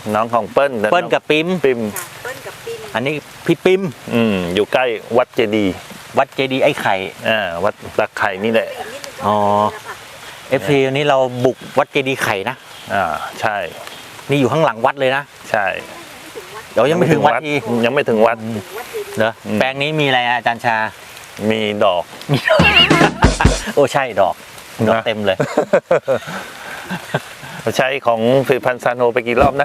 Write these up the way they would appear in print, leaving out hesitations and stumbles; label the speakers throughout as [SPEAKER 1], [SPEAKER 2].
[SPEAKER 1] น้องของเปิ้ล
[SPEAKER 2] เปิ้ลกับปิม
[SPEAKER 1] ปิม
[SPEAKER 3] เปิ้ลกับปิม
[SPEAKER 2] อันนี้พี่ปิม
[SPEAKER 1] อยู่ใกล้วัดเจดีย์
[SPEAKER 2] วัดเจดีย์ไอ้ไข่
[SPEAKER 1] วัดตะไคร่นี่แหละ
[SPEAKER 3] อีกนิดนึงก็
[SPEAKER 2] อ๋อ FC วันนี้เราบุกวัดเจดีย์ไข่นะ
[SPEAKER 1] ใช่
[SPEAKER 2] นี่อยู่ข้างหลังวัดเลยนะ
[SPEAKER 1] ใช่
[SPEAKER 2] เดี๋ยวยังไม่ถึงวัดที
[SPEAKER 1] ยังไม่ถึงวัด
[SPEAKER 3] วัดเจดีย์
[SPEAKER 2] เหรอแปลงนี้มีอะไรอาจารย์ชา
[SPEAKER 1] มีดอก
[SPEAKER 2] โอ้ใช่ดอกเต็มเลย
[SPEAKER 1] ใช้ของผลิตภัณฑ์ซานโฮไปกี่รอบนะ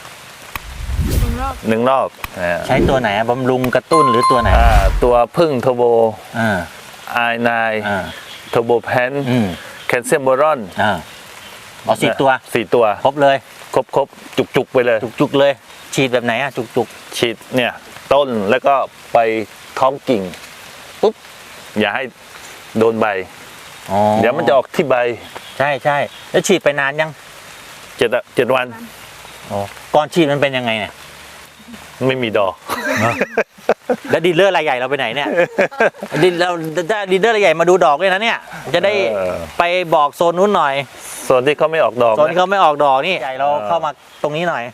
[SPEAKER 1] หนึ่งรอบ
[SPEAKER 2] ใช้ตัวไหนบำรุงกระตุ้นหรือตัวไหน
[SPEAKER 1] ตัวพึ่งเทอร์โบ i9 เทอร์โบแพนแคลเซียมโบรอน
[SPEAKER 2] เอา4 ตัว
[SPEAKER 1] 4 ตัว
[SPEAKER 2] ครบเลย
[SPEAKER 1] ครบจุกๆไปเลย
[SPEAKER 2] จุกๆเลย ฉีดแบบไหนจุก
[SPEAKER 1] ฉีดเนี่ยต้นแล้วก็ไปท้องกิ่งปุ๊บอย่าให้โดนใบ
[SPEAKER 2] ๆ
[SPEAKER 1] เดี๋ยวมันจะออกที่ใบ
[SPEAKER 2] ใช่ใช่แล้วฉีดไปนานยัง
[SPEAKER 1] 7 วัน
[SPEAKER 2] ก่อนฉีดมันเป็นยังไงเนี่ย
[SPEAKER 1] ไม่มีดอก
[SPEAKER 2] แล้วดีลเลอร์รายใหญ่เราไปไหนเนี่ยดีลเลอร์รายใหญ่มาดูดอกด้วยนะเนี่ย จะได้ไปบอกโซนนู้นหน่อย
[SPEAKER 1] ส่วนที่เขาไม่ออกดอก
[SPEAKER 2] โซนที่เขาไม่ออกดอกนี่ใหญ่เราเข้ามาตรงนี้หน่อย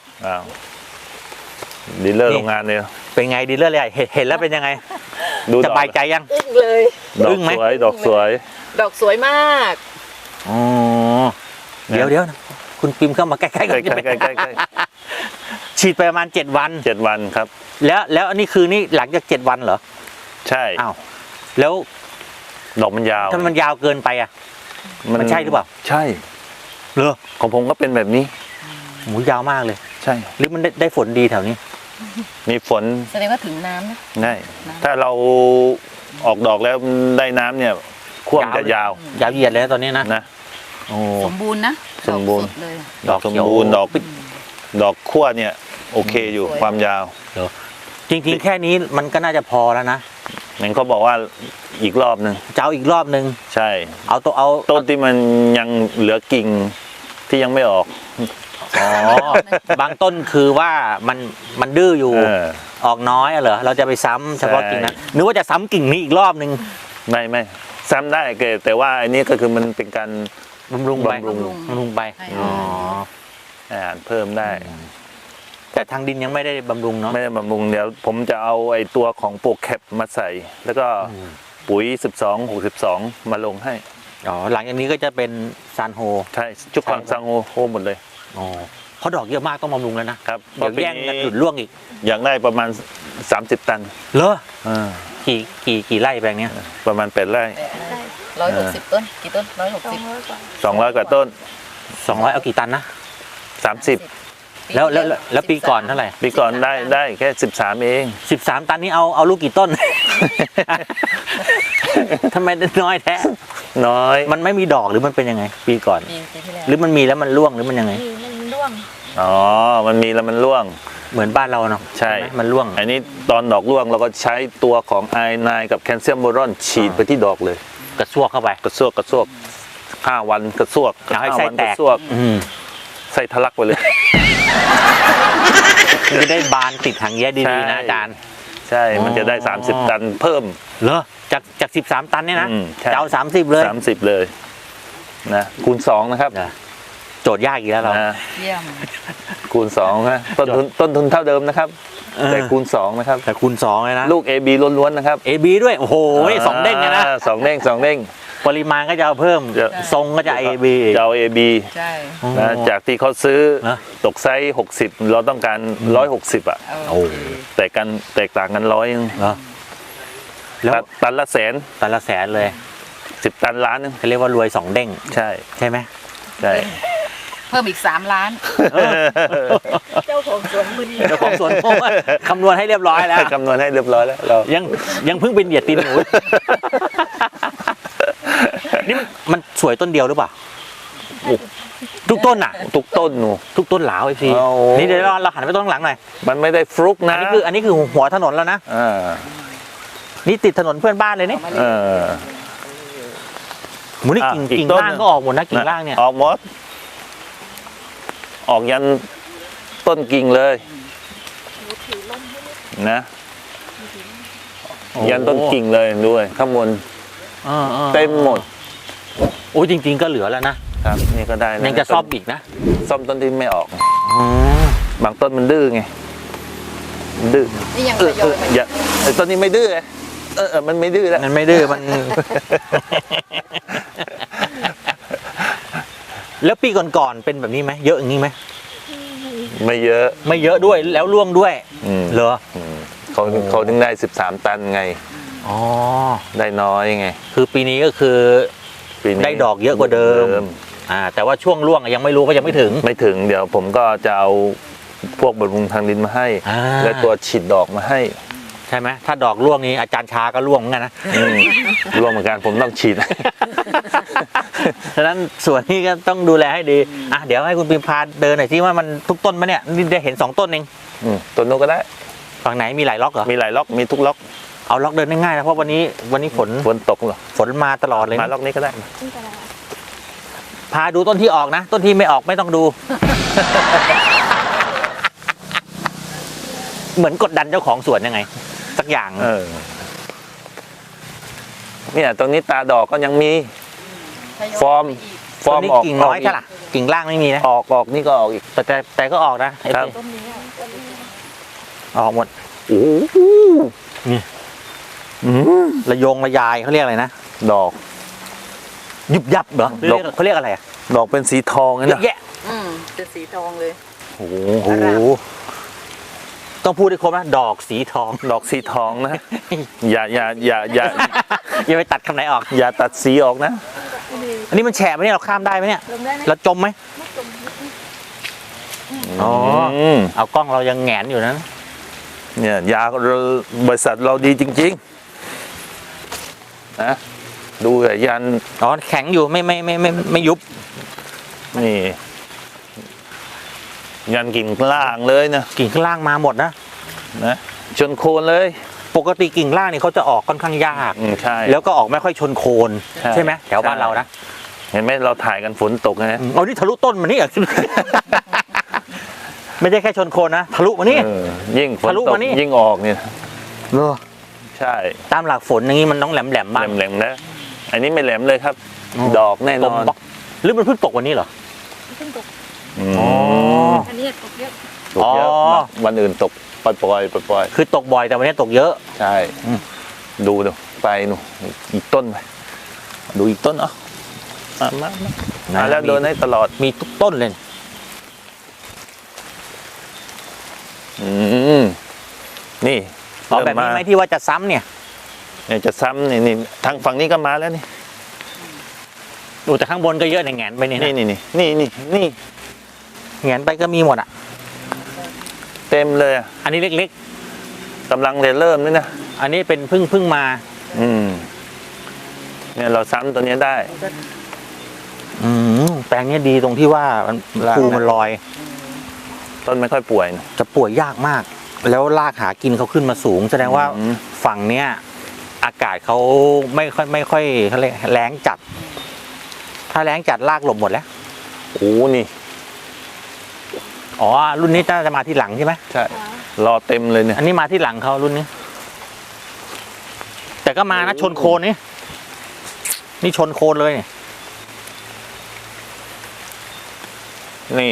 [SPEAKER 1] ดีลเลอร์
[SPEAKER 2] นี่
[SPEAKER 1] โรงงานเนี่ย
[SPEAKER 2] เป็นไงดีลเลอร์รายใหญ่เห็นแล้วเป็นยังไง
[SPEAKER 1] ดู
[SPEAKER 2] ส
[SPEAKER 1] ดอก
[SPEAKER 2] บายใจยัง
[SPEAKER 3] อึ้งเลย
[SPEAKER 1] ดอ
[SPEAKER 2] อึ้
[SPEAKER 1] ก
[SPEAKER 2] งไหม
[SPEAKER 1] สวยดอกสวย
[SPEAKER 3] ดอกสวยมาก
[SPEAKER 2] อ๋อเดี๋ยวคุณปิมเข้ามาใกล้ๆกัน
[SPEAKER 1] ใกล้
[SPEAKER 2] ฉีดไปประมาณ7 วัน
[SPEAKER 1] 7 วันครับ
[SPEAKER 2] แล้วอันนี้คือนี่หลังจาก7 วันเหรอ
[SPEAKER 1] ใช่
[SPEAKER 2] อ้าวแล้ว
[SPEAKER 1] ดอกมันยาว
[SPEAKER 2] ถ้ามันยาวเกินไปอ่ะ มันใช่หรือเปล่า
[SPEAKER 1] ใช่
[SPEAKER 2] เหรอ
[SPEAKER 1] ของผมก็เป็นแบบนี้
[SPEAKER 2] หมูยาวมากเลย
[SPEAKER 1] ใช่
[SPEAKER 2] หรือมันได้ฝนดีแถวนี้
[SPEAKER 1] มีฝน
[SPEAKER 3] แสดงว่าถึงน้ำนะ
[SPEAKER 1] ได้ถ้าเราออกดอกแล้วได้น้ำเนี่ยขั้วมันจะยาว
[SPEAKER 2] ยาวเหยียดเลยนะตอนนี้นะ
[SPEAKER 1] นะ
[SPEAKER 2] โอ้
[SPEAKER 3] สมบูรณ์นะ
[SPEAKER 1] สมบูรณ์
[SPEAKER 3] ดอกสดเลย
[SPEAKER 2] ดอก
[SPEAKER 1] สม
[SPEAKER 2] เขียว
[SPEAKER 1] บูรณ์ดอกขั้วเนี่ยโอเคอยู่
[SPEAKER 3] สวย
[SPEAKER 1] ความยาว
[SPEAKER 2] จริงๆแค่นี้มันก็น่าจะพอแล้วนะ
[SPEAKER 1] นั่นเขาบอกว่าอีกรอบหนึ่ง
[SPEAKER 2] จะเอาอีกรอบนึง
[SPEAKER 1] ใช่
[SPEAKER 2] เอา
[SPEAKER 1] ต้นที่มันยังเหลือกิ่งที่ยังไม่ออก
[SPEAKER 2] อ๋อบางต้นคือว่ามันดื้ออยู่ ออกน้อยอะเหรอเราจะไปซ้ำเฉพาะกิ่งนะนึกว่าจะซ้ำกิ่งนี้อีกรอบนึง
[SPEAKER 1] ไม่ซ้ำได้แต่ว่าอันนี้ก็คือมันเป็นการ
[SPEAKER 2] บำรุงไป
[SPEAKER 1] บำรุง
[SPEAKER 2] บำรุงไป
[SPEAKER 3] ใช่
[SPEAKER 2] อ๋อ
[SPEAKER 1] อาหารเพิ่มได้
[SPEAKER 2] แต่ทางดินยังไม่ได้บำรุงเนาะ
[SPEAKER 1] ไม่ได้บำรุงเดี๋ยวผมจะเอาไอ้ตัวของโปรแคปมาใส่ แล้วก็ปุ๋ย12 62 มาลงให้
[SPEAKER 2] อ๋อหลังจากนี้ก็จะเป็นซานโฮ
[SPEAKER 1] ใช่จุกฟังซังโฮหมดเลย
[SPEAKER 2] อ๋อเพราะดอกเยอะมากต้องบำรุงแล้วนะครับ เดี๋ยว
[SPEAKER 1] เพราะปี
[SPEAKER 2] แย่ง
[SPEAKER 1] นี้
[SPEAKER 2] กันหลุดร่วงอีก
[SPEAKER 1] อยากได้ประมาณ30 ตัน
[SPEAKER 2] เหรอ
[SPEAKER 1] อ่า
[SPEAKER 2] กี่ไร่แปลงเนี้ย
[SPEAKER 1] ประมาณ8 ไร่
[SPEAKER 3] 160 ต้น กี่ต้น 160
[SPEAKER 1] 200 กว่าต้น
[SPEAKER 2] 200เอากี่ตันนะ
[SPEAKER 1] 30
[SPEAKER 2] แล้วปีก่อนเท่าไหร่
[SPEAKER 1] ปีก่อนได้แค่13 เอง
[SPEAKER 2] 13 ตันนี้เอาลูกกี่ต้น ทำไมได้น้อยแท้
[SPEAKER 1] น้อย
[SPEAKER 2] มันไม่มีดอกหรือมันเป็นยังไง ปีก่อน
[SPEAKER 3] ปีที่แล้ว
[SPEAKER 2] หรือมันมีแล้วมันร่วงหรือมันยังไง
[SPEAKER 3] มันร่วง
[SPEAKER 1] มันมีแล้วมันร่วง
[SPEAKER 2] เหมือนบ้านเราเนาะ
[SPEAKER 1] ใช่
[SPEAKER 2] ไหมมันร่วง
[SPEAKER 1] อันนี้ตอนดอกร่วงเราก็ใช้ตัวของ i9 กับแคลเซียมโบรอนฉีดไปที่ดอกเลย
[SPEAKER 2] กระซวกเข้าไป
[SPEAKER 1] กระซวก5 วันกระซวก
[SPEAKER 2] เอาให้
[SPEAKER 1] 5
[SPEAKER 2] ไส้
[SPEAKER 1] วัน
[SPEAKER 2] แต
[SPEAKER 1] ก
[SPEAKER 2] ก
[SPEAKER 1] ระซวก
[SPEAKER 2] อืม
[SPEAKER 1] ไส้ทะลักไปเลย
[SPEAKER 2] มันจะได้บานติดถังแย้ดีๆนะอาจารย์
[SPEAKER 1] ใช่ มันจะได้ 30 ตันเพิ่ม
[SPEAKER 2] เหรอจาก13 ตันเนี่ยนะ
[SPEAKER 1] ใช่
[SPEAKER 2] จะเอา30 เลย
[SPEAKER 1] 30 เลยนะคูณ 2 นะครับ
[SPEAKER 2] โจทย์ยากอีกแล้วเรา
[SPEAKER 1] นะ
[SPEAKER 3] เยี่ยม
[SPEAKER 1] คูณ 2 นะต้นทุนเท่าเดิมนะครับ แต่คูณ 2 นะครับ
[SPEAKER 2] แต่คูณ2เลยนะ
[SPEAKER 1] ลูก AB ล้วนๆนะครับ
[SPEAKER 2] AB ด้วยโอ้โหนี่สองเด้งเลยนะ
[SPEAKER 1] สองเด้ง
[SPEAKER 2] ปริมาณก็จะเอาเพิ่ม
[SPEAKER 1] จะ
[SPEAKER 2] ทรงก็จะ AB
[SPEAKER 1] จะเอา AB
[SPEAKER 3] ใช่
[SPEAKER 1] นะจากที่เขาซื้อ
[SPEAKER 2] นะ
[SPEAKER 1] ตกไซส์60 เราต้องการ160อ่ะ
[SPEAKER 3] โอ้
[SPEAKER 1] แตกต่างกัน100
[SPEAKER 2] เหรอแล้ว
[SPEAKER 1] ตันละแสน
[SPEAKER 2] แต่ละแสนเลย
[SPEAKER 1] 10 ตันล้านนึง
[SPEAKER 2] เขาเรียกว่ารวย2 เด้ง
[SPEAKER 1] ใช่
[SPEAKER 2] ใช่ไหม
[SPEAKER 1] ใช่
[SPEAKER 3] เพิ่มอีก 3 ล้าน เจ้าของสวนมือนี้
[SPEAKER 2] เจ้าของสวนโอ้ยคำนวณให้เรียบร้อยแล้ว
[SPEAKER 1] คำนวณให้เรียบร้อยแล้วเรา
[SPEAKER 2] ยังเพิ่งเป็นเหยียดตีนหนู นี่มันสวยต้นเดียวหรือเปล่าทุกต้นอ่ะ
[SPEAKER 1] ทุกต้นหนู
[SPEAKER 2] ทุกต้นหลาวไอพี
[SPEAKER 1] โอ้
[SPEAKER 2] นี่เดี๋ยวเราหันไปต้นข้างหลังหน่อย
[SPEAKER 1] มันไม่ได้ฟลุก
[SPEAKER 2] อั
[SPEAKER 1] นะ
[SPEAKER 2] นนี้คือหัวถนนแล้วนะ
[SPEAKER 1] อ่า
[SPEAKER 2] นี่ติดถนนเพื่อนบ้านเลยนี่
[SPEAKER 1] เออ
[SPEAKER 2] หมูนี่กิ่ง
[SPEAKER 1] อีก
[SPEAKER 2] กิ่ง
[SPEAKER 1] ต้น
[SPEAKER 2] ล่างก็ออกหมดนะกิ่งล่างเนี่ย
[SPEAKER 1] ออกหมดออกยันต้นกิ่งเลยนะยันต้นกิ่งเลยด้วยข้างบนเต็มหมด
[SPEAKER 2] โอ้ยจริง ๆก็เหลือแล้วนะครับ
[SPEAKER 1] นี่ก็ได้แล้ว
[SPEAKER 2] ยังจะซ่อมอีกนะ
[SPEAKER 1] ซ่อมต้นที่ไม่ออก
[SPEAKER 2] อ๋อ
[SPEAKER 1] บางต้นมันดื้อไงมันดื้อ
[SPEAKER 3] นี่ยัง
[SPEAKER 1] เอ
[SPEAKER 3] ท
[SPEAKER 1] อย
[SPEAKER 3] อย
[SPEAKER 1] อย่าไอ้ต้นนี้ไม่ดื้อไงมันไม่ดื้อแล้ว
[SPEAKER 2] มันไม่ดื้อมัน แล้วปีก่อนๆเป็นแบบนี้ไหมเยอะอย่างนี้ไหม
[SPEAKER 1] ไม่เยอะ
[SPEAKER 2] ไม่เยอะด้วยแล้วร่วงด้วย
[SPEAKER 1] อืม
[SPEAKER 2] เหรอ
[SPEAKER 1] เขาถึงได้13 ตันไง
[SPEAKER 2] อ๋อ
[SPEAKER 1] ได้น้อยไง
[SPEAKER 2] คือปีนี้ก็คือ
[SPEAKER 1] ปีนี้
[SPEAKER 2] ได้ดอกเยอะกว่าเดิม แต่ว่าช่วงร่วงยังไม่รู้ก็ยังไม่ถึง
[SPEAKER 1] ไม่ถึงเดี๋ยวผมก็จะเอาพวกบำรุงทางดินมาให้
[SPEAKER 2] อ่า
[SPEAKER 1] และตัวฉีดดอกมาให้
[SPEAKER 2] ใช่ไหมถ้าดอกร่วงนี้อาจารย์ชาก็ร่วงเหมือนกันนะ
[SPEAKER 1] ร่วมเหมือนกันผมต้องฉีด
[SPEAKER 2] ฉะนั้นส่วนนี้ก็ต้องดูแลให้ดีเดี๋ยวให้คุณพิมพาเดินหน่อยที่ว่ามันทุกต้นไหมเนี่ยนี่ได้เห็น2ต้นเอง
[SPEAKER 1] ต้นนู้นก็ได้
[SPEAKER 2] ฝั่งไหนมีหลายล็อกเหรอ
[SPEAKER 1] มีหลายล็อกมีทุกล็อก
[SPEAKER 2] เอาล็อกเดินง่ายๆนะเพราะวันนี้ฝน
[SPEAKER 1] ตกเหรอ
[SPEAKER 2] ฝนมาตลอดเลย
[SPEAKER 1] มา
[SPEAKER 2] นะ
[SPEAKER 1] ล็อกนี้ก็ได้
[SPEAKER 2] พาดูต้นที่ออกนะต้นที่ไม่ออกไม่ต้องดู เหมือนกดดันเจ้าของสวนยังไง สักอย่าง
[SPEAKER 1] เนี่ยตรงนี้ตาดอกก็ยังมี
[SPEAKER 3] ทยอย
[SPEAKER 1] ฟอร์ม
[SPEAKER 3] ไปก
[SPEAKER 1] ฟอร์ม
[SPEAKER 2] ต้นนี้
[SPEAKER 1] ออก
[SPEAKER 2] กิ่งน้อยใช่ล่ะกิ่งล่างไม่มีนะ
[SPEAKER 1] ออกนี่ก็ออกอีก
[SPEAKER 2] แต่ก็ออกนะไอ้
[SPEAKER 1] ครับ
[SPEAKER 3] ต้นนี้อะต้นนี้
[SPEAKER 2] ออกหมด
[SPEAKER 1] โอ้โห
[SPEAKER 2] นี่ ระยงระยายเขาเรียกอะไรนะ
[SPEAKER 1] ดอก
[SPEAKER 2] ยุบยับเหรอ
[SPEAKER 1] ดอก
[SPEAKER 2] เขาเรียกอะไรอะ
[SPEAKER 1] ดอกเป็นสีทองนั่น
[SPEAKER 2] เย
[SPEAKER 1] นะ
[SPEAKER 2] อะแยะ
[SPEAKER 3] เป็นสีทองเลย
[SPEAKER 1] โอ้โห
[SPEAKER 2] โอ้โหต้องพูดให้ครบนะดอกสีทอง
[SPEAKER 1] ดอกสีทองนะ อย่า
[SPEAKER 2] อย่าไปตัดคำไหนออก
[SPEAKER 1] อย่าตัดสีออกนะ
[SPEAKER 2] อันนี้มันแฉะไหมเนี่ยเราข้ามได้ไหมเนี่ย
[SPEAKER 3] ลงได้ไหม
[SPEAKER 2] เราจมไหมอ๋อ
[SPEAKER 1] ม
[SPEAKER 2] เอากล้องเรายังแหงนอยู่นะ
[SPEAKER 1] เนี่ยยาบริษัทเราดีจริงๆนะดูแต่ยัน
[SPEAKER 2] อ๋อแข็งอยู่ไม่ยุบ
[SPEAKER 1] นี่ ยันกิ่งล่างเลยนะ
[SPEAKER 2] กิ่งข้างล่างมาหมดนะ
[SPEAKER 1] นะชนโคนเลย
[SPEAKER 2] ปกติกิ่งล่างนี่เขาจะออกค่อนข้างยาก
[SPEAKER 1] ใช่
[SPEAKER 2] แล้วก็ออกไม่ค่อยชนโคน ใช่ไหมแถวบ้านเรานะ
[SPEAKER 1] เห็นไหมเราถ่ายกันฝนตกนะ
[SPEAKER 2] เอานี่ทะลุต้นมานี่ ไม่ใช่แค่ชนโคนนะทะลุมานี่
[SPEAKER 1] ยิ่งฝน
[SPEAKER 2] ทะลุ
[SPEAKER 1] ตก
[SPEAKER 2] มานี่
[SPEAKER 1] ยิ่งออกเนี่ยใช่
[SPEAKER 2] ตามหลักฝนอย่างนี้มันต้องแหลมๆบ้าง
[SPEAKER 1] แหลมๆนะอันนี้ไม่แหลมเลยครับ ดอกแน่น
[SPEAKER 2] ต
[SPEAKER 1] อบ น
[SPEAKER 2] ล็อกหรือมันเพิ่งตกวันนี้เหรอ
[SPEAKER 3] เพิ่งตก
[SPEAKER 2] อ๋อ
[SPEAKER 3] อันนี้ตกเยอะ
[SPEAKER 1] ตกเยอะ
[SPEAKER 2] อ๋อ
[SPEAKER 1] วันอื่นตกปล่อย
[SPEAKER 2] คือตกบ่อยแต่วันนี้ตกเยอะ
[SPEAKER 1] ใช่ ดูไปหนูอีกต้นไปดูอีกต้นมาแล้วเดินให้ตลอด
[SPEAKER 2] มีทุกต้นเลย
[SPEAKER 1] นี่
[SPEAKER 2] อ๋อแบบนี้ไหมที่ว่าจะซ้ำเนี่ย
[SPEAKER 1] เนี่ยจะซ้ำนี่ทางฝั่งนี้ก็มาแล้วนี่
[SPEAKER 2] ดูแต่ข้างบนก็เยอะในแหงนไปเนี่ยนะ
[SPEAKER 1] นี่
[SPEAKER 2] แหงนไปก็มีหมดอ่ะ
[SPEAKER 1] เต็มเลยอ่ะ
[SPEAKER 2] อันนี้เล็ก
[SPEAKER 1] กำลังเริ่มนี่นะ
[SPEAKER 2] ๆ อันนี้เป็นเพิ่งมา
[SPEAKER 1] เนี่ยเราซ้ำตัวนี้ได้
[SPEAKER 2] แปลงเนี้ยดีตรงที่ว่ามัน
[SPEAKER 1] ราก
[SPEAKER 2] ภูมันลอย
[SPEAKER 1] ต้นไม่ค่อยป่วยนะ
[SPEAKER 2] จะป่วยยากมาก แล้วรากหากินเขาขึ้นมาสูง แสดงว่า ฝั่งเนี้ยอากาศเขาไม่ค่อยเขาเรียกแรงจัด ถ้าแรงจัดรากหลบหมดแล้ว
[SPEAKER 1] โอ้นี่
[SPEAKER 2] อ๋อรุ่นนี้น่าจะมาที่หลังใช่ไหม
[SPEAKER 1] ใช่รอเต็มเลยเนี่ย
[SPEAKER 2] อันนี้มาที่หลังเขารุ่นนี้ แต่ก็มานะชนโคนนี่ชนโคนเลยเนี่ย
[SPEAKER 1] นี่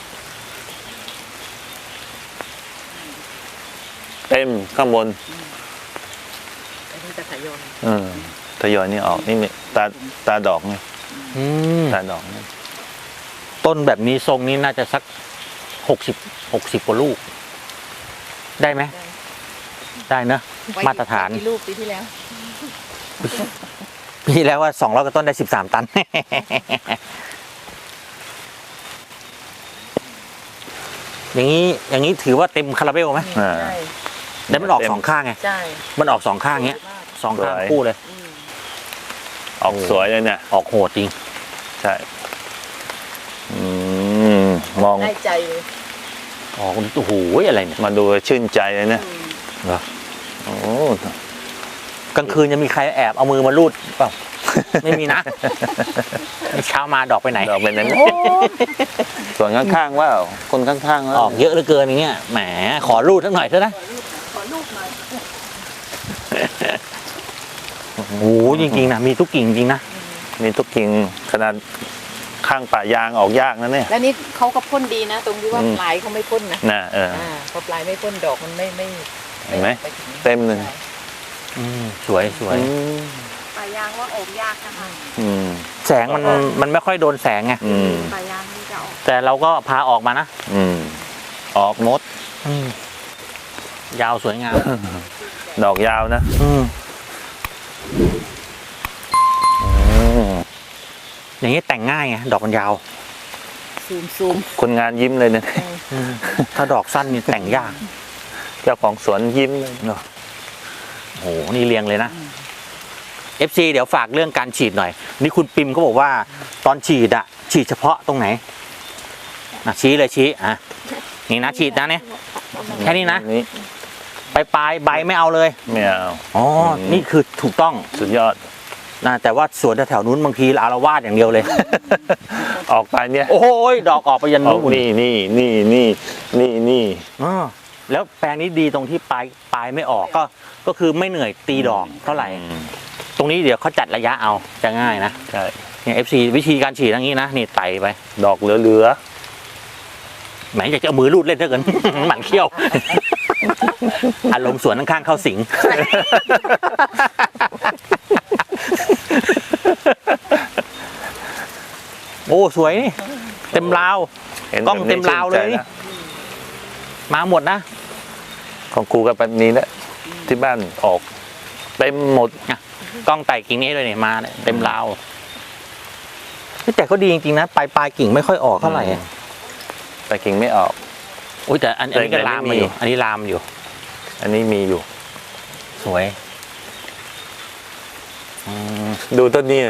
[SPEAKER 1] เต็มข้างบน
[SPEAKER 3] อันนี้จะทยอย
[SPEAKER 1] ทยอยนี่ออกนี่ตาดอกนี่
[SPEAKER 2] อืม
[SPEAKER 1] ตาดอกนี่
[SPEAKER 2] ต้นแบบนี้ทรงนี้น่าจะสัก60กว่าลูก ได้ไหมได้เนอะ
[SPEAKER 3] ไว้
[SPEAKER 2] มาตรฐาน
[SPEAKER 3] กี่ลูกปีที่แล้ว
[SPEAKER 2] ปีแล้วว่า200กว่าต้นได้13 ตัน อย่างนี้ถือว่าเต็มคาราเบลไหม
[SPEAKER 1] อ่า
[SPEAKER 3] ใช่
[SPEAKER 2] แล้วมันออกสองข้างไง
[SPEAKER 3] ใช่
[SPEAKER 2] มันออกสองข้างเงี้ยสองข้างคู่เลย
[SPEAKER 1] ออกสวยเลยเนี่ย
[SPEAKER 2] ออกโหดจริง
[SPEAKER 1] ใช่มอง
[SPEAKER 3] ได้ใจเลย
[SPEAKER 2] ออกโอ้โหอะไรเนี่ย
[SPEAKER 1] มาดูชื่นใจเลยเนี่ย
[SPEAKER 2] เหรอ
[SPEAKER 1] โอ้
[SPEAKER 2] กลางคืนจะมีใครแอบเอามือมาลูดเปล่า ไม่มีนะ เช้ามาดอกไปไหน
[SPEAKER 1] ดอกเป็นไหนส่วนข้างๆว่าคนข้างๆว่า
[SPEAKER 2] ออกเยอะเหลือเกินอย่างเงี้ยแหมขอรูดสักหน่อยเถอะนะ
[SPEAKER 3] ขอลูกหน่อย
[SPEAKER 2] โอ้โหจริงๆนะมีทุกกิ่งจริงนะ
[SPEAKER 1] มีทุกกิ่งขนาดขข้างป่ายางออกยากนะเนี่ย
[SPEAKER 3] แล้วนี่เขาก็พ่นดีนะ ตรงที่ว่า
[SPEAKER 1] อืม
[SPEAKER 3] ปลายเขาไม่พ่นนะ
[SPEAKER 1] น่ะ
[SPEAKER 3] พอปลายไม่พ่นดอกมันไม่
[SPEAKER 1] เห็นไหม
[SPEAKER 3] ปถึง
[SPEAKER 1] เต็มเลย
[SPEAKER 2] สวยสวย
[SPEAKER 4] ปลายางว่าออกยากนะคะ
[SPEAKER 1] อืม
[SPEAKER 2] แสงมันไม่ค่อยโดนแสงไง
[SPEAKER 1] อืม
[SPEAKER 4] ปลายางนี่จะออก
[SPEAKER 2] แต่เราก็พาออกมานะ
[SPEAKER 1] อืมออกหมด
[SPEAKER 2] ยาวสวยงาม
[SPEAKER 1] ดอกยาวนะ
[SPEAKER 2] อย่างนี้แต่งง่ายไงดอกมันยาว
[SPEAKER 3] ซูม
[SPEAKER 1] คนงานยิ้มเลยเนี่ย
[SPEAKER 2] ถ้าดอกสั้นนี่แต่งยาก
[SPEAKER 1] เจ้าของสวนยิ้มเลยเนาะ
[SPEAKER 2] โอ้โหนี่เรียงเลยนะ FC เดี๋ยวฝากเรื่องการฉีดหน่อย นี่คุณปิมเขาบอกว่า ตอนฉีดอะฉีดเฉพาะตรงไหนชี้เลยชี้นี่นะฉีดนะเนี่ยแค่นี้นะ
[SPEAKER 1] นี่
[SPEAKER 2] ปลายใบไม่เอาเลย
[SPEAKER 1] ไม่เอา
[SPEAKER 2] อ๋อนี่คือถูกต้อง
[SPEAKER 1] สุดยอด
[SPEAKER 2] นะแต่ว่าสวนแถวๆนู้นบางทีอารวาสอย่างเดียวเลย
[SPEAKER 1] ออกไปเนี่ย
[SPEAKER 2] โอ้ยดอกออกไปยัน
[SPEAKER 1] ออ
[SPEAKER 2] นู้
[SPEAKER 1] ก
[SPEAKER 2] น
[SPEAKER 1] นี่
[SPEAKER 2] แล้วแปลงนี้ดีตรงที่ปลายไม่ออกก็คือไม่เหนื่อยตีดอกเท่าไหร่ ตรงนี้เดี๋ยวเขาจัดระยะเอาจะง่ายนะ
[SPEAKER 1] ใช่
[SPEAKER 2] เนี่ย FC วิธีการฉีดอย่างนี้นะนี่ไต่ไป
[SPEAKER 1] ดอกเหลือ
[SPEAKER 2] แหมอยากจะเอามือรูดเล่นเท่ากัน หมันเขี้ยว อารมณ์สวนข้างๆเข้าสิง โอ้สวยนี่เต็มราว
[SPEAKER 1] เห็น
[SPEAKER 2] กล้อง
[SPEAKER 1] แบบนี้
[SPEAKER 2] เต็มราวเลย
[SPEAKER 1] ชื่นใจ
[SPEAKER 2] นี่
[SPEAKER 1] นะ
[SPEAKER 2] มาหมดนะ
[SPEAKER 1] ของครูกับแบบนี้แหละที่บ้านออกเต็มหมด
[SPEAKER 2] กล้องไต่กิ่งนี้เลยเนี่ยมาเนี่ยเต็มราวแต่ก็ดีจริงๆนะปลายกิ่งไม่ค่อยออกเท่าไหร่
[SPEAKER 1] แต่กิ่งไม่ออก
[SPEAKER 2] อุ้ยแต่อันนี้ก็ลามมาอยู่ อันนี้ลามอยู่
[SPEAKER 1] อันนี้มีอยู่
[SPEAKER 2] สวย
[SPEAKER 1] ดูต้นนี้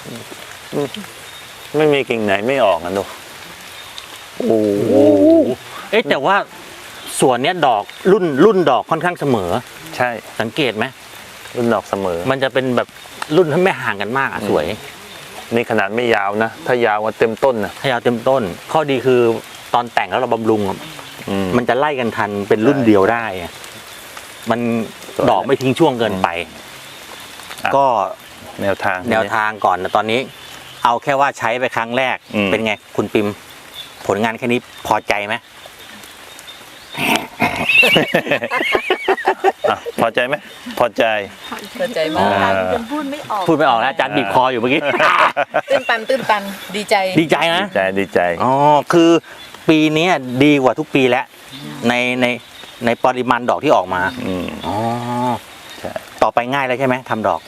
[SPEAKER 1] ไม่มีกิ่งไหนไม่ออกอ่ะดูโอ้โห
[SPEAKER 2] เอ๊ะแต่ว่าส่วนเนี้ยดอกรุ่นดอกค่อนข้างเสมอ
[SPEAKER 1] ใช่
[SPEAKER 2] สังเกตไหม
[SPEAKER 1] รุ่นดอกเสมอ
[SPEAKER 2] มันจะเป็นแบบรุ่นที่ไม่ห่างกันมากอ่ะสวย
[SPEAKER 1] นี่ขนาดไม่ยาวนะถ้ายาวว่าเต็มต้นนะ
[SPEAKER 2] ถ้ายาวเต็มต้น ข้อดีคือตอนแต่งแล้วเราบำรุง มันจะไล่กันทันเป็นรุ่นเดียวได้อะมัน
[SPEAKER 1] สวย
[SPEAKER 2] ดอกไม่ทิ้งช่วงเกินไป
[SPEAKER 1] อ่ะ
[SPEAKER 2] ก็
[SPEAKER 1] แนวทาง
[SPEAKER 2] แนวทางก่อนนะตอนนี้ เอาแค่ว่าใช้ไปครั้งแรก เป็นไงคุณปิม ผลงานแค่นี้พอใจไหม
[SPEAKER 1] อ่ะพอใจไหมพอใจ
[SPEAKER 3] เข้าใจมาก
[SPEAKER 4] จนพูดไม่ออก
[SPEAKER 2] พูดไม่ออกแล้วอาจารย์บีบคออยู่เมื่อกี้
[SPEAKER 3] ตื้นตันดีใจ
[SPEAKER 2] ดีใจนะ
[SPEAKER 1] ดีใจ
[SPEAKER 2] อ๋อ คือปีนี้ดีกว่าทุกปีแล้ว ในปริมาณดอกที่ออกมา อ๋อ
[SPEAKER 1] ใช่
[SPEAKER 2] ต่อไปง่ายแล้วใช่ไหมทำดอก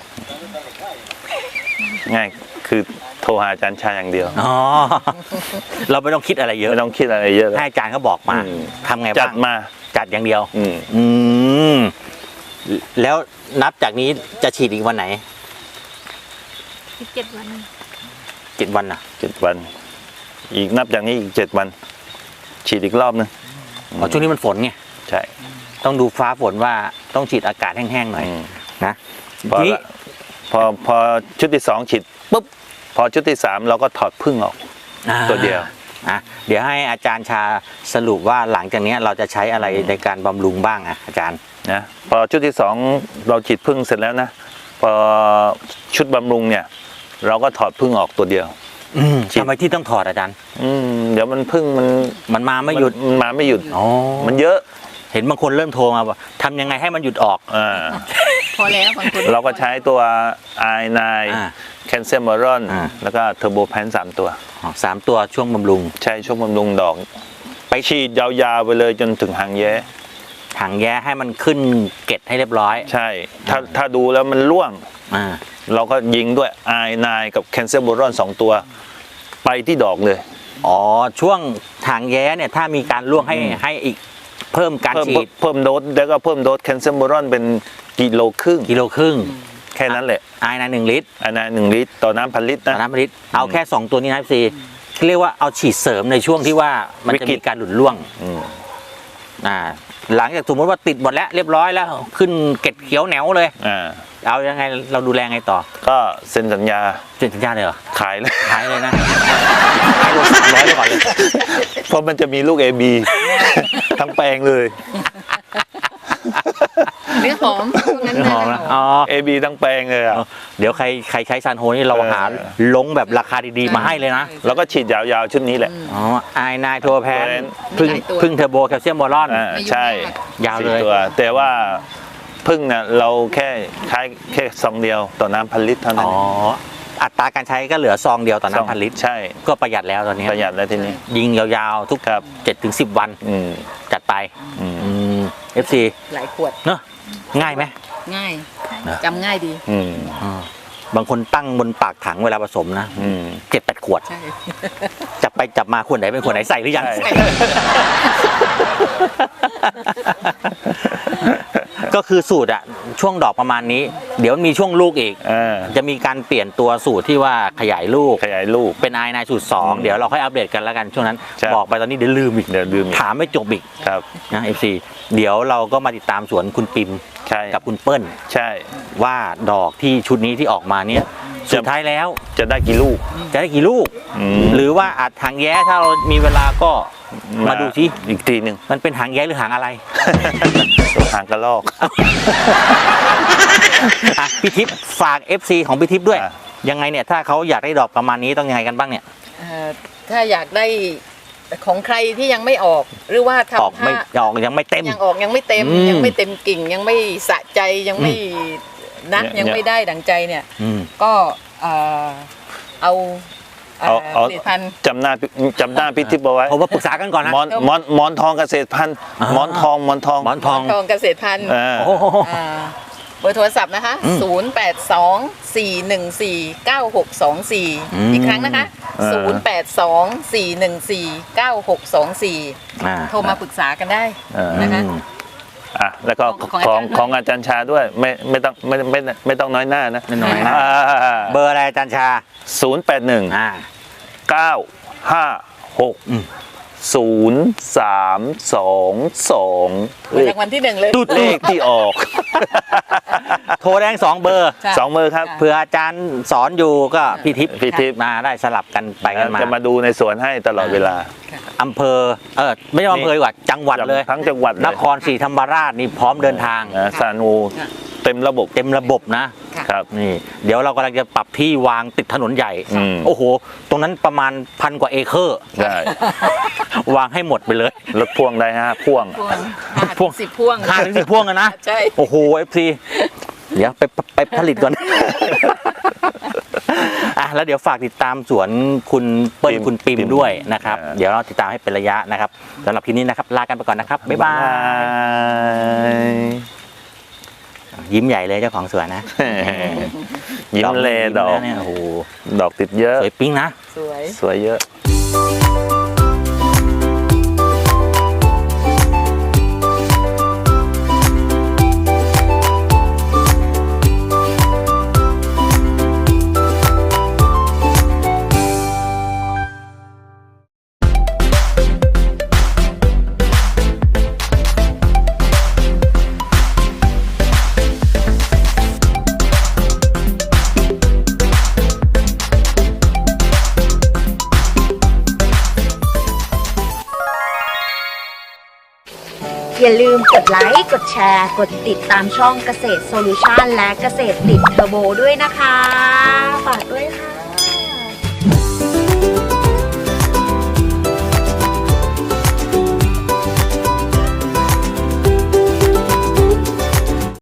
[SPEAKER 1] ง่ายคือโทรหาอาจารย์ชายอย่างเดียว
[SPEAKER 2] อ๋อ เราไม่ต้องคิดอะไรเยอะ
[SPEAKER 1] ไม่ต้องคิดอะไรเยอะเลย
[SPEAKER 2] ให้อาจารย์เขาบอกมา ทำไง
[SPEAKER 1] จั
[SPEAKER 2] บ้า
[SPEAKER 1] ด
[SPEAKER 2] ง
[SPEAKER 1] มา
[SPEAKER 2] จัดอย่างเดียว
[SPEAKER 1] อืม
[SPEAKER 2] แล้วนับจากนี้จะฉีดอีกวันไหน
[SPEAKER 4] อีก7 วัน
[SPEAKER 2] 7 วันน่ะ
[SPEAKER 1] 7 วัน อีกนับจากนี้อีก7 วัน ฉีดอีกรอบนึง
[SPEAKER 2] อ๋อช่วงนี้มันฝนไง
[SPEAKER 1] ใช่
[SPEAKER 2] ต้องดูฟ้าฝนว่าต้องฉีดอากาศแห้งๆหน่อย นะ
[SPEAKER 1] พอ
[SPEAKER 2] ทีนี้
[SPEAKER 1] ละพอชุดที่2ฉีดปุ๊บพอชุดที่3เราก็ถอดพึ่งออก ตัวเดียว
[SPEAKER 2] เดี๋ยวให้อาจารย์ชาสรุปว่าหลังจากนี้เราจะใช้อะไรในการบำรุงบ้างอาจารย์
[SPEAKER 1] นะพอชุดที่2เราฉีดพึ่งเสร็จแล้วนะพอชุดบำรุงเนี่ย เราก็ถอดพึ่งออกตัวเดียว ฉีด
[SPEAKER 2] ทำไมที่ต้องถอดอาจารย์
[SPEAKER 1] เดี๋ยวมันพึ่งมัน
[SPEAKER 2] มันมาไม่หยุด
[SPEAKER 1] มันมาไม่หยุด
[SPEAKER 2] อ๋อ
[SPEAKER 1] มันเยอะ
[SPEAKER 2] เห็นบางคนเริ่มโทรมาว่าทำยังไงให้มันหยุดออก
[SPEAKER 3] พอแล้วบางคน
[SPEAKER 1] เราก็ใช้ตัว i9
[SPEAKER 2] อ่า
[SPEAKER 1] แคลเซียมบอรอน
[SPEAKER 2] อ่า
[SPEAKER 1] แล้วก็เทอร์โบแพน3 ตัว
[SPEAKER 2] 3 ตัวช่วงบำรุง
[SPEAKER 1] ใช้ช่วงบำรุงดอก ไปฉีดยาวๆไปเลยจนถึงหางแย้
[SPEAKER 2] ถังแย้ให้มันขึ้นเกล็ดให้เรียบร้อย
[SPEAKER 1] ใช่ ถ้าดูแล้วมันร่วง
[SPEAKER 2] อ่า
[SPEAKER 1] เราก็ยิงด้วย i9 กับแคลเซียมบอรอน2 ตัว ไปที่ดอกเลย
[SPEAKER 2] อ๋อช่วงถังแย้เนี่ยถ้ามีการร่วงให้อีกเพิ่มการฉีด
[SPEAKER 1] เพิ่มโดสแล้วก็เพิ่มโดสแคลเซียมบอรอนเป็นกิโลครึ่ง
[SPEAKER 2] กิโลครึ่ง
[SPEAKER 1] แค่นั้นแหละ
[SPEAKER 2] ไอ้นะ1 ลิตร
[SPEAKER 1] i9 1 ลิตรต่อน้ำ1,000 ลิตร
[SPEAKER 2] ต่อ
[SPEAKER 1] นะ
[SPEAKER 2] น้ำลิตรเอาแค่ 2 ตัวนี้นะพี่เรียกว่าเอาฉีดเสริมในช่วงที่ว่ามันจะ
[SPEAKER 1] วิกฤ
[SPEAKER 2] มี
[SPEAKER 1] ต
[SPEAKER 2] การหลุดร่วง
[SPEAKER 1] อืม
[SPEAKER 2] หลังจากสมมติว่าติดหมดแล้วเรียบร้อยแล้ว ขึ้นเกล็ดเขียวแหนวเลย เอายังไงเราดูแลไงต่อ
[SPEAKER 1] ก็เซ็นสัญญา
[SPEAKER 2] เซ็นสัญญาเลยเหรอ
[SPEAKER 1] ขายเลย
[SPEAKER 2] ขายเลยนะขายโล300ไปก่อนเลย
[SPEAKER 1] เพราะมันจะมีลูก AB ทั้งแปลงเลย
[SPEAKER 3] นี่นื้อหอมพวกนั้น
[SPEAKER 2] หอมนะอ๋อ
[SPEAKER 1] AB ทั้งแปลงเลยอ่ะ
[SPEAKER 2] เดี๋ยวใครใช้ซานโฮนี่เราหาลงแบบราคาดีๆมาให้เลยนะ
[SPEAKER 1] แล้วก็ฉีดยาวๆชุดนี้แหละ
[SPEAKER 2] อ๋อไอนายโทรแพนพึ่งเทอร์โบแคลเซียมบอลอน
[SPEAKER 1] ใช่
[SPEAKER 2] ยาวเลย
[SPEAKER 1] 4ตัวแต่ว่าพึ่งเนี่ยเราแค่ใช้แค่ซองเดียวต่อน้ำ1,000 ลิตรเท่านั้
[SPEAKER 2] อ๋
[SPEAKER 1] น
[SPEAKER 2] ออัตราการใช้ก็เหลือซองเดียวต่อน้ำพันลิตร
[SPEAKER 1] ใช่
[SPEAKER 2] ก็ประหยัดแล้วตอนนี้
[SPEAKER 1] ประหยัดแล้วทีนี้
[SPEAKER 2] ยิงยาวๆทุก
[SPEAKER 1] ครับ
[SPEAKER 2] 7-10 วัน
[SPEAKER 1] อืม
[SPEAKER 2] จัดไป
[SPEAKER 1] อืม
[SPEAKER 2] FC
[SPEAKER 3] หลายขวด
[SPEAKER 2] เนอะง่ายไหม
[SPEAKER 3] ง่าย
[SPEAKER 2] นะ
[SPEAKER 3] จำง่ายดี
[SPEAKER 1] อืม
[SPEAKER 2] บางคนตั้งบนปากถังเวลาผสมนะ
[SPEAKER 1] อืม
[SPEAKER 2] 7-8 ขวด
[SPEAKER 3] ใช่
[SPEAKER 2] จับไปจับมาขวดไหนเป็นขวดไหนใส่หรือยัง
[SPEAKER 1] ใช่
[SPEAKER 2] ก็คือสูตรอะช่วงดอกประมาณนี้ เดี๋ยวมีช่วงลูกอีก จะมีการเปลี่ยนตัวสูตรที่ว่าขยายลูก
[SPEAKER 1] ขยายลูก
[SPEAKER 2] เป็นไอนายสูตร 2 เดี๋ยวเราค่อยอัปเดตกันแล้วกันช่วงนั้น
[SPEAKER 1] ใช่
[SPEAKER 2] บอกไปตอนนี้เดี๋ยวลืมอีก
[SPEAKER 1] เดี๋ยวลืมอีก
[SPEAKER 2] ถามไม่จบอีก
[SPEAKER 1] ครับ
[SPEAKER 2] นะ FC เดี๋ยวเราก็มาติดตามสวนคุณปิม
[SPEAKER 1] ใช่
[SPEAKER 2] กับคุณเปิ้ล
[SPEAKER 1] ใช่
[SPEAKER 2] ว่าดอกที่ชุดนี้ที่ออกมาเนี่ยสุดท้ายแล้ว
[SPEAKER 1] จะได้กี่ลูก
[SPEAKER 2] จะได้กี่ลูก
[SPEAKER 1] อืม
[SPEAKER 2] หรือว่าอาจหางแย้ถ้าเรามีเวลาก็มาดูสิ
[SPEAKER 1] อีกทีหนึ่ง
[SPEAKER 2] มันเป็นหางแย้หรือหางอะไร
[SPEAKER 1] หางกระลอก
[SPEAKER 2] อ่ะพี่ทิพย์ฝาก FC ของพี่ทิพย์ด้วย
[SPEAKER 1] อ่ะ
[SPEAKER 2] ยังไงเนี่ยถ้าเขาอยากได้ดอกประมาณนี้ต้องยังไงกันบ้างเนี่ย
[SPEAKER 3] ถ้าอยากได้ของใครที่ยังไม่ออก หรือว่า
[SPEAKER 2] ออก
[SPEAKER 3] ทำ
[SPEAKER 2] ไม่
[SPEAKER 3] ถ้า
[SPEAKER 2] ออกยังไม่เต็ม
[SPEAKER 3] ยังออกยังไม่เต็ม
[SPEAKER 2] อืม
[SPEAKER 3] ยังไม่เต็มกิ่ง ยังไม่สะใจยังไม่นะ
[SPEAKER 1] เนี่ย
[SPEAKER 3] ยังไม่ได้ดังใจเนี่ย
[SPEAKER 2] อืม
[SPEAKER 3] ก็เอา
[SPEAKER 1] เอา
[SPEAKER 3] ผลิตภัณฑ์
[SPEAKER 1] จำหน้าพี่ทิพย์เอาไว้
[SPEAKER 2] ผมว่าปรึกษากันก่อนนะ
[SPEAKER 1] หมอนทองเกษตรพันธุ์
[SPEAKER 2] อ่า
[SPEAKER 1] หมอนทอง
[SPEAKER 2] หมอนทอง
[SPEAKER 3] ทองเกษตรพันธุ์
[SPEAKER 2] โอ้โห
[SPEAKER 3] เบอร์โทรศัพท์นะคะ
[SPEAKER 2] อืม
[SPEAKER 3] 0824149624 อีกครั้งนะคะ 0824149624
[SPEAKER 2] อ่า
[SPEAKER 3] โทรมาปรึกษากันได้ นะคะ
[SPEAKER 2] อืม
[SPEAKER 1] อ่ะแล้วก็
[SPEAKER 3] ของอาจารย์
[SPEAKER 1] ของอาจารย์ชาด้วยไม่ต้องน้อยหน้านะ
[SPEAKER 2] ไม่น้อยหน้า เบอร์อะไรอาจารย์ชา
[SPEAKER 1] 081
[SPEAKER 2] อ่า อืม
[SPEAKER 1] 956
[SPEAKER 3] รางวัลที่หนึ่งเลย
[SPEAKER 2] ตุ๊ด
[SPEAKER 1] เลขที่ออก
[SPEAKER 2] โทรแดง2 เบอร์
[SPEAKER 3] ใช่
[SPEAKER 1] 2 มือครับ
[SPEAKER 2] เผื่ออาจารย์สอนอยู่ก็พี่ทิพย์
[SPEAKER 1] พี่ทิพย์
[SPEAKER 2] มาได้สลับกันไปกันมา
[SPEAKER 1] จะมาดูในสวนให้ตลอดเวลา
[SPEAKER 2] อำเภอไม่ใช่อำเภอดีกว่าจังหวัดเลย
[SPEAKER 1] ทั้งจังหวัดเลย
[SPEAKER 2] นครศรีธรรมราชนี่พร้อมเดินทาง
[SPEAKER 1] สานูเต็มระบบ
[SPEAKER 2] เต็มระบบนะ
[SPEAKER 3] ค่ะ
[SPEAKER 1] ครับ
[SPEAKER 2] นี่เดี๋ยวเรากำลังจะปรับที่วางติดถนนใหญ่
[SPEAKER 1] อืม
[SPEAKER 2] โอ้โห ตรงนั้นประมาณ1,000 กว่าเอเคอร์
[SPEAKER 1] ได้
[SPEAKER 2] วางให้หมดไปเลย
[SPEAKER 1] รถพ่วงได้ฮะพ่วง
[SPEAKER 3] พ่วง10 พ่วง
[SPEAKER 2] 5-10 พ่วงกันนะ
[SPEAKER 3] ใช่
[SPEAKER 2] โอ้โห FC เดี๋ยวไปผลิตก่อน อ่ะแล้วเดี๋ยวฝากติดตามสวนคุณเปิ้ล
[SPEAKER 1] ปิ่ม
[SPEAKER 2] คุณปิม
[SPEAKER 1] ปิ่ม
[SPEAKER 2] ด้วยนะครับ
[SPEAKER 1] อ่า
[SPEAKER 2] เดี๋ยวเราติดตามให้เป็นระยะนะครับสำหรับทีนี้นะครับลากันไปก่อนนะครับ บ๊ายบาย ยิ้มใหญ่เลยเจ้าของสวนนะ
[SPEAKER 1] ยิ้มเลดอก
[SPEAKER 2] นะเนี่ยโอ้โห
[SPEAKER 1] ดอกติดเยอะ
[SPEAKER 2] สวยปิ๊งนะ
[SPEAKER 3] สวย
[SPEAKER 1] สวยเยอะ
[SPEAKER 5] อย่าลืมกดไลค์ กดแชร์ กดติดตามช่องเกษตรโซลูชันและเกษตรติดเทอร์โบด้วยนะคะ ฝากด้วยค่ะ